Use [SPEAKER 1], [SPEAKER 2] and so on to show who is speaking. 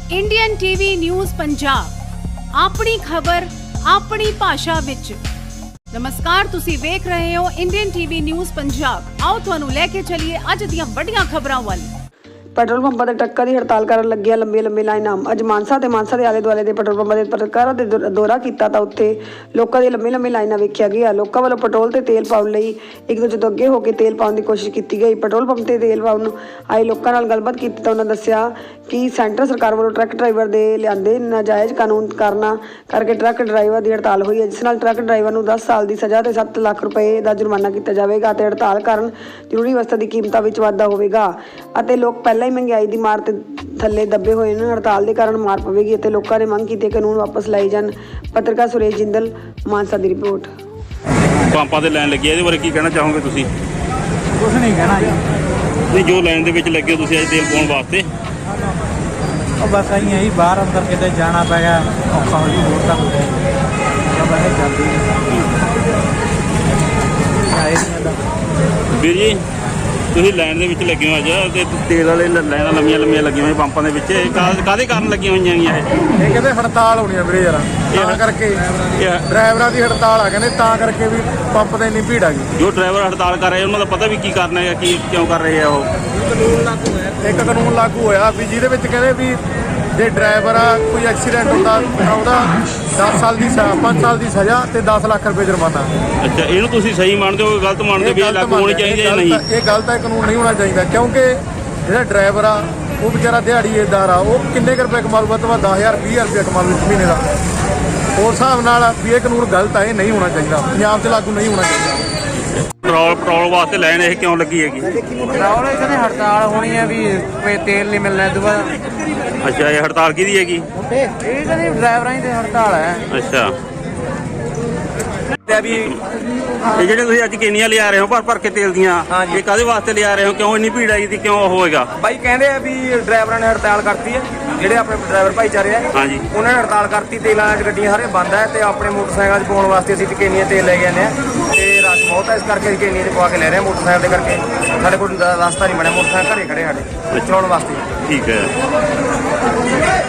[SPEAKER 1] Indian TV news Punjab ਆਪਣੀ ਖਬਰ ਆਪਣੀ ਭਾਸ਼ਾ ਵਿੱਚ। ਨਮਸਕਾਰ, ਤੁਸੀਂ ਵੇਖ ਰਹੇ ਹੋ ਇੰਡੀਅਨ ਟੀਵੀ ਨਿਊਜ਼ ਪੰਜਾਬ। ਆਓ ਤੁਹਾਨੂੰ ਲੈ ਕੇ ਚੱਲੀਏ ਅੱਜ ਦੀਆਂ ਵੱਡੀਆਂ ਖਬਰਾਂ ਵੱਲ।
[SPEAKER 2] ਪੈਟਰੋਲ ਪੰਪਾਂ ਦੇ ਟਰੱਕਾਂ ਦੀ ਹੜਤਾਲ ਕਰਨ ਲੱਗੀਆਂ ਲੰਬੀਆਂ ਲਾਈਨਾਂ। ਅੱਜ ਮਾਨਸਾ ਦੇ ਆਲੇ ਦੁਆਲੇ ਦੇ ਪੈਟਰੋਲ ਪੰਪਾਂ ਦੇ ਪੱਤਰਕਾਰਾਂ ਦੇ ਦੌਰਾ ਕੀਤਾ ਤਾਂ ਉੱਥੇ ਲੋਕਾਂ ਦੀ ਲੰਬੀ ਲਾਈਨਾਂ ਵੇਖਿਆ ਗਿਆ। ਲੋਕਾਂ ਵੱਲੋਂ ਪੈਟਰੋਲ ਤੇ ਤੇਲ ਪਾਉਣ ਲਈ ਇੱਕ ਦੂਜੇ ਤੋਂ ਅੱਗੇ ਹੋ ਕੇ ਤੇਲ ਪਾਉਣ ਦੀ ਕੋਸ਼ਿਸ਼ ਕੀਤੀ ਗਈ। ਪੈਟਰੋਲ ਪੰਪ ਤੇ ਤੇਲ ਪਾਉਣ ਆਏ ਲੋਕਾਂ ਨਾਲ ਗੱਲਬਾਤ ਕੀਤੀ ਤਾਂ ਉਹਨਾਂ ਦੱਸਿਆ ਕਿ ਸੈਂਟਰ ਸਰਕਾਰ ਵੱਲੋਂ ਟਰੱਕ ਡਰਾਈਵਰ ਦੇ ਲਿਆਂਦੇ ਨਾਜਾਇਜ਼ ਕਾਨੂੰਨ ਕਾਰਨਾਂ ਕਰਕੇ ਟਰੱਕ ਡਰਾਈਵਰ ਦੀ ਹੜਤਾਲ ਹੋਈ ਹੈ, ਜਿਸ ਨਾਲ ਟਰੱਕ ਡਰਾਈਵਰ ਨੂੰ 10 ਸਾਲ ਦੀ ਸਜ਼ਾ ਤੇ 7 ਲੱਖ ਰੁਪਏ ਦਾ ਜੁਰਮਾਨਾ ਕੀਤਾ ਜਾਵੇਗਾ ਅਤੇ ਹੜਤਾਲ ਕਾਰਨ ਜ਼ਰੂਰੀ ਵਸਤਾਂ ਦੀ ਕੀਮਤਾਂ ਵਿੱਚ ਵਾਧਾ ਹੋਵੇਗਾ ਅਤੇ ਲੋਕ ਪਹਿਲਾਂ ਹੀ ਮਹਿੰਗਾਈ ਦੀ ਮਾਰ ਤੇ ਥੱਲੇ ਦੱਬੇ ਹੋਏ ਨੇ। ਹੜਤਾਲ ਦੇ ਕਾਰਨ ਮਾਰ ਪਵੇਗੀ ਅਤੇ ਲੋਕਾਂ ਨੇ ਮੰਗ ਕੀਤੀ ਕਾਨੂੰਨ ਵਾਪਸ ਲਏ ਜਾਣ। ਪੱਤਰਕਾਰ ਸੁਰੇਸ਼ ਜਿੰਦਲ, ਮਾਨਸਾ ਦੀ ਰਿਪੋਰਟ।
[SPEAKER 3] ਪੰਪਾਂ ਤੇ ਲਾਈਨ ਲੱਗੀ ਹੈ, ਇਹਦੇ ਬਾਰੇ ਕੀ ਕਹਿਣਾ ਚਾਹੋਗੇ ਤੁਸੀਂ?
[SPEAKER 4] ਕੁਛ ਨਹੀਂ ਕਹਿਣਾ ਜੀ।
[SPEAKER 3] ਨਹੀਂ, ਜੋ ਲਾਈਨ ਦੇ ਵਿੱਚ ਲੱਗੇ ਹੋ ਤੁਸੀਂ ਅੱਜ ਤੇਲ ਪਾਉਣ ਵਾਸਤੇ?
[SPEAKER 4] ਉਹ ਬਸ ਆਈ ਹੈ ਜੀ, ਬਾਹਰ ਅੰਦਰ ਕਿਤੇ ਜਾਣਾ ਪੈ ਗਿਆ, ਔਖਾ ਹੋ ਜੀ ਹੋਰ ਤਾਂ ਬਸ ਜਲਦੀ ਆਏ ਨਹੀਂ।
[SPEAKER 3] ਵੀਰ ਜੀ, ਤੁਸੀਂ ਲਾਈਨ ਦੇ ਵਿੱਚ ਲੱਗੇ ਹੋ ਅੱਜ ਤੇ ਤੇਲ ਵਾਲੇ ਲਾਈਨਾਂ ਲੰਮੀਆਂ ਲੱਗੀਆਂ ਹੋਈਆਂ ਪੰਪਾਂ ਦੇ ਵਿੱਚ, ਕਾਹਦੇ ਕਾਰਨ ਲੱਗੀਆਂ ਹੋਈਆਂ ਹੈਗੀਆਂ
[SPEAKER 4] ਇਹ ਕਹਿੰਦੇ ਹੜਤਾਲ ਹੋਣੀ ਆ ਵੀਰੇ ਯਾਰ, ਤਾਂ ਕਰਕੇ ਡਰਾਈਵਰਾਂ ਦੀ ਹੜਤਾਲ ਆ ਕਹਿੰਦੇ, ਤਾਂ ਕਰਕੇ ਵੀ ਪੰਪ ਤੇ ਇੰਨੀ ਭੀੜ ਆ ਗਈ।
[SPEAKER 3] ਜੋ ਡਰਾਈਵਰ ਹੜਤਾਲ ਕਰ ਰਹੇ ਉਹਨਾਂ ਦਾ ਪਤਾ ਵੀ ਕੀ ਕਰਨਾ ਹੈ, ਕੀ ਕਿਉਂ ਕਰ ਰਹੇ ਆ ਉਹ?
[SPEAKER 4] ਇੱਕ ਕਾਨੂੰਨ ਲਾਗੂ ਹੋਇਆ ਵੀ ਜਿਹਦੇ ਵਿੱਚ ਕਹਿੰਦੇ ਵੀ ਜੇ ਡਰਾਈਵਰ ਆ ਕੋਈ ਐਕਸੀਡੈਂਟ ਹੁੰਦਾ ਉਹਦਾ 10 ਸਾਲ ਦੀ 5 ਸਾਲ ਦੀ ਸਜ਼ਾ ਤੇ 10 ਲੱਖ ਰੁਪਏ ਜੁਰਮਾਨਾ।
[SPEAKER 3] ਅੱਛਾ, ਇਹਨੂੰ ਤੁਸੀਂ ਸਹੀ ਮੰਨਦੇ ਹੋ, ਗਲਤ ਮੰਨਦੇ ਵੀ ਇਹ ਲਾਗੂ ਹੋਣੀ ਚਾਹੀਦੀ ਹੈ ਜਾਂ ਨਹੀਂ?
[SPEAKER 4] ਇਹ ਗਲਤ ਹੈ, ਕਾਨੂੰਨ ਨਹੀਂ ਹੋਣਾ ਚਾਹੀਦਾ, ਕਿਉਂਕਿ ਜਿਹੜਾ ਡਰਾਈਵਰ ਆ ਉਹ ਵਿਚਾਰਾ ਦਿਹਾੜੀਦਾਰ ਆ, ਉਹ ਕਿੰਨੇ ਕੁ ਰੁਪਏ ਕਮਾ ਲੂਗਾ? ਤਾਂ 10,000 20,000 ਰੁਪਏ ਕਮਾ ਲੂ ਮਹੀਨੇ ਦਾ। ਉਸ ਹਿਸਾਬ ਨਾਲ ਵੀ ਇਹ ਕਾਨੂੰਨ ਗਲਤ ਆ, ਇਹ ਨਹੀਂ ਹੋਣਾ ਚਾਹੀਦਾ, ਪੰਜਾਬ 'ਚ ਲਾਗੂ ਨਹੀਂ ਹੋਣਾ ਚਾਹੀਦਾ।
[SPEAKER 3] ਪੈਟਰੋਲ ਵਾਸਤੇ ਲਾਈਨ ਇਹ ਕਿਉਂ ਲੱਗੀ ਹੈਗੀ?
[SPEAKER 4] ਪੈਟਰੋਲ ਇਹਦੇ ਹੜਤਾਲ ਹੋਣੀ ਹੈ ਵੀ ਕੋਈ ਤੇਲ ਨਹੀਂ ਮਿਲਣਾ ਦੁਬਾਰਾ।
[SPEAKER 3] ਅੱਛਾ, ਇਹ ਹੜਤਾਲ ਕਿਹਦੀ ਹੈਗੀ?
[SPEAKER 4] ਇਹ ਕਹਿੰਦੇ ਡਰਾਈਵਰਾਂ ਦੀ ਹੜਤਾਲ ਹੈ।
[SPEAKER 3] ਅੱਛਾ, ਇਹ ਜਿਹੜੇ ਤੁਸੀਂ ਅੱਜ ਕੇਨੀਆਂ ਲਿਆ ਰਹੇ ਹੋ ਭਰ ਕੇ ਤੇਲ ਦੀਆਂ, ਇਹ ਕਾਹਦੇ ਵਾਸਤੇ ਲਿਆ ਰਹੇ ਹੋ? ਕਿਉਂ ਇੰਨੀ ਭੀੜ ਆਈ ਦੀ, ਕਿਉਂ ਹੋਏਗਾ?
[SPEAKER 5] ਬਾਈ ਕਹਿੰਦੇ ਆ ਵੀ ਡਰਾਈਵਰਾਂ ਨੇ ਹੜਤਾਲ ਕਰਤੀ ਹੈ, ਜਿਹੜੇ ਆਪਣੇ ਡਰਾਈਵਰ ਭਾਈਚਾਰੇ ਆ
[SPEAKER 3] ਹਾਂਜੀ,
[SPEAKER 5] ਉਹਨਾਂ ਨੇ ਹੜਤਾਲ ਕਰਤੀ। ਤੇਲਾਂ 'ਚ ਗੱਡੀਆਂ ਸਾਰੇ ਬੰਦ ਹੈ ਤੇ ਆਪਣੇ ਮੋਟਰਸਾਈਕਲਾਂ 'ਚ ਪਾਉਣ ਵਾਸਤੇ ਅਸੀਂ ਕੇਨੀਆਂ ਤੇਲ ਲੈ ਕੇ ਆਉਂਦੇ ਹਾਂ ਤੇ ਰਸ਼ ਬਹੁਤ ਹੈ, ਇਸ ਕਰਕੇ ਅਸੀਂ ਕੇਨੀਆਂ 'ਚ ਪਵਾ ਕੇ ਲੈ ਰਹੇ ਹਾਂ ਮੋਟਰਸਾਈਕਲ ਦੇ ਕਰਕੇ। ਸਾਡੇ ਕੋਲ ਰਸਤਾ ਨਹੀਂ ਬਣਿਆ, ਮੋਟਰਸਾਈਕਲ ਘਰੇ ਖੜੇ ਸਾਡੇ ਚਲਾਉਣ ਵਾਸਤੇ।
[SPEAKER 3] ਠੀਕ ਹੈ।